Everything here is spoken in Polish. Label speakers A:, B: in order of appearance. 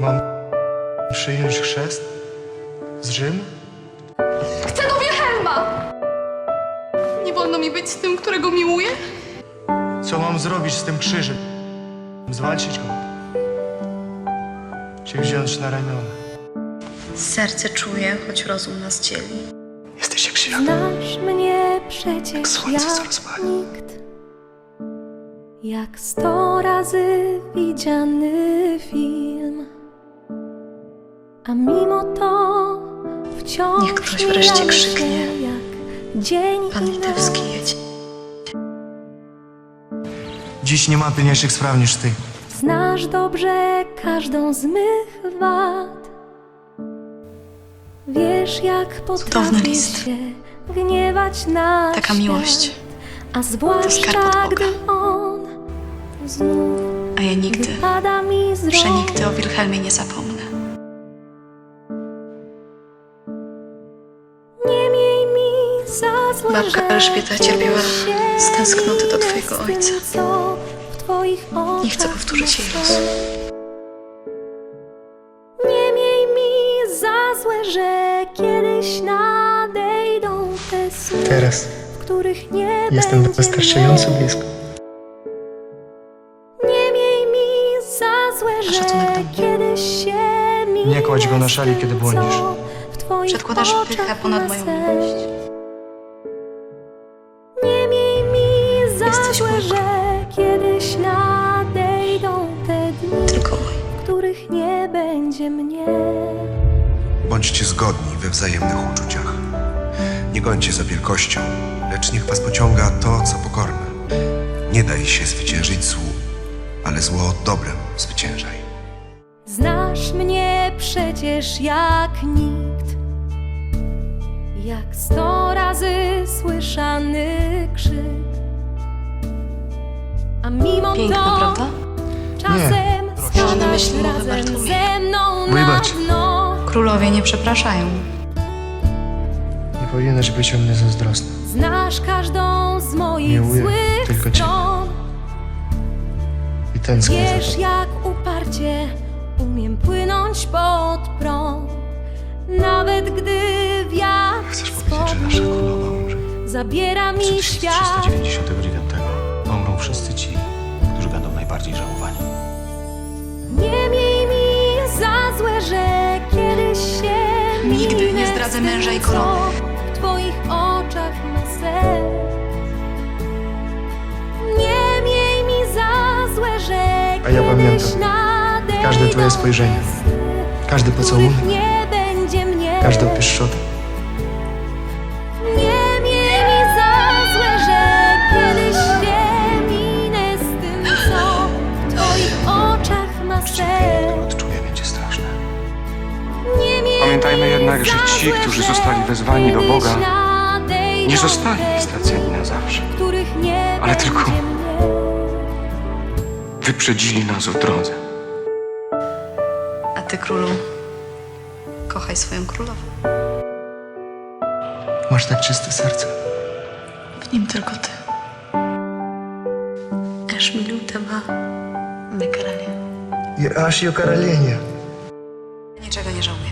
A: Mam przyjąć chrzest z Rzymu?
B: Chcę do Wilhelma! Nie wolno mi być z tym, którego miłuję?
A: Co mam zrobić z tym krzyżem? Zwalczyć go? Czy wziąć na ramiona?
C: Serce czuje, choć rozum nas dzieli.
A: Jesteś jak świat.
D: Znasz mnie przecież
A: Jak słońce, co
D: jak
A: rozpali.
D: nikt, jak 100 razy widziany film, a mimo to wciąż
C: Niech ktoś wreszcie
D: mijamy
C: krzyknie.
D: się jak dzień
C: Pan
D: i
C: Litewski
D: noc.
C: jedzie.
A: Dziś nie ma pilniejszych spraw niż ty.
D: Znasz dobrze każdą z mych wad. Wiesz, jak
C: Cudowny
D: potrafię
C: list.
D: się gniewać na
C: Taka
D: świat,
C: miłość.
D: a zwłaszcza
C: skarb od Boga.
D: gdy on znów
C: A ja nigdy,
D: wypada mi z rąk.
C: przenigdy o Wilhelmie nie zapomnę.
D: Nie miej mi za złe,
C: Babka
D: że
C: Elżbieta cierpiała
D: się
C: z tęsknoty do twojego
D: minę z tym,
C: ojca.
D: co w twoich
C: Nie chcę
D: oczach
C: powtórzyć jej
D: ma
C: losu.
D: Nie miej mi za złe, że kiedyś nadejdą te sny,
A: Teraz
D: w których nie
A: jestem
D: będzie
A: wystarczająco
D: mnie.
A: blisko.
D: Nie miej mi za złe, że
C: szacunek do mnie.
D: kiedyś się minę
A: Nie kładź go na szali,
D: z tym,
A: kiedy błądzisz.
D: co w twoich
C: Przedkładasz
D: oczach
C: pychę ponad
D: ma
C: moją
D: sens.
C: miłość.
D: Nie miej mi za
C: Jesteś
D: złe,
C: Bóg.
D: że kiedyś nadejdą te dni,
C: Tylko mój.
D: w których nie będzie mnie.
E: Bądźcie zgodni we wzajemnych uczuciach. Nie gońcie za wielkością, lecz niech was pociąga to, co pokorne. Nie daj się zwyciężyć złu, ale zło dobrem zwyciężaj.
D: Znasz mnie przecież jak nikt, jak 100 razy słyszany krzyk, a mimo
C: Piękna,
D: to
C: prawda?
D: czasem
A: proszę.
C: Mam na
D: spadasz
C: myśli mowę
D: razem
C: Bartłomieja.
D: ze mną na
A: Wybacz.
D: dno.
C: Królowie nie przepraszają.
A: Nie powinieneś być o mnie zazdrosny.
D: Znasz każdą z moich
A: Miłuję
D: złych
A: tylko ciebie.
D: stron.
A: I tęsknię
D: Wiesz,
A: za tobą.
D: jak uparcie umiem płynąć pod prąd, nawet gdy wiatr
F: Chcesz powiedzieć, że nasza królowa umrze?
D: zabiera mi świat.
F: 1399 pomrą wszyscy ci, którzy będą najbardziej żałowani.
D: Nie miej mi za złe, że kiedyś się
C: Nigdy nie
D: minę
C: zdradzę
D: z tym,
C: męża i
D: co
C: korony.
D: w twoich oczach ma sens. Nie miej mi za złe, że
A: A ja
D: kiedyś
A: pamiętam
D: nadejdą
A: każde twoje spojrzenie,
D: te sny,
A: każdy
D: w
A: pocałunek,
D: których nie będzie mnie.
A: każda pieszczota.
D: Nie miej mi za złe, że kiedyś się minę z tym, co w twoich oczach ma sens.
F: Odczuję, będzie straszne.
D: Nie miej
G: Pamiętajmy
D: mi
G: jednak, że
D: za
G: ci,
D: złe,
G: którzy
D: że
G: zostali wezwani do Boga,
D: kiedyś nadejdą
G: nie zostali
D: te
G: straceni
D: dni,
G: na zawsze.
D: w których nie
G: Ale tylko
D: będzie mnie.
G: Wyprzedzili nas w drodze.
C: A ty, królu, kochaj swoją królową.
A: Masz tak czyste serce.
C: W nim tylko ty. Аж милю тебе, не короле.
A: Аж io королевне.
C: Niczego nie żałuję.